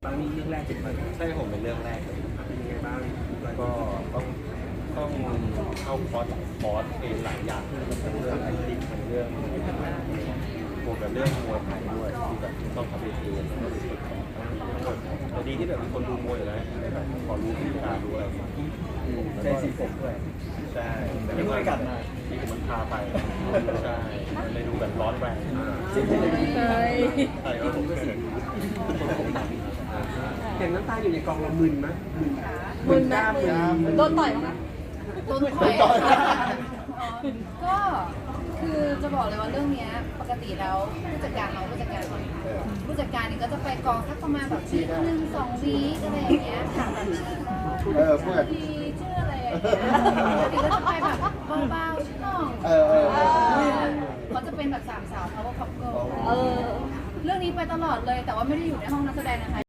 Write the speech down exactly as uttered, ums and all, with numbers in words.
บางนี้เรื่องแรกเป็นอะไรใช่ผมเป็นเรื่องแรกเลยเป็นยังไงบ้างก็ต้องต้องเข้าคอร์สคอร์สเองหลายอย่างทั้งเรื่องไอติมทั้งเรื่องบวกกับเรื่องมวยไทยด้วยที่แบบต้องทำเองแล้วก็รู้สึกแต่ดีที่แบบมีคนดูมวยอยู่แล้วแบบพอรู้วิธีการรู้อะไรใช่สีผมด้วยใช่แต่ไม่ได้กลับมาที่ผมมันพาไปใช่เลยดูแบบร้อนแรงจริงๆเคยใช่ก็ผมก็เห็นอย่างน้ำตาอยู่ในกองเรามึนไหมมึนนะโดนต่อยมั้งนะโดนถอยก็คือจะบอกเลยว่าเรื่องนี้ปกติแล้วผู้จัดการเราผู้จัดการผู้จัดการนี่ก็จะไปกองสักประมาณแบบที่หนึ่งสองวีคอะไรอย่างเงี้ยถามแบบชื่อเออเพื่อนชื่ออะไรอย่างเงี้ยปกติก็จะไปแบบเบาๆชื่อน้องเออเขาจะเป็นแบบสามสาวเขาก็คัพเกิลเรื่องนี้ไปตลอดเลยแต่ว่าไม่ได้อยู่ในห้องนักแสดงนะคะ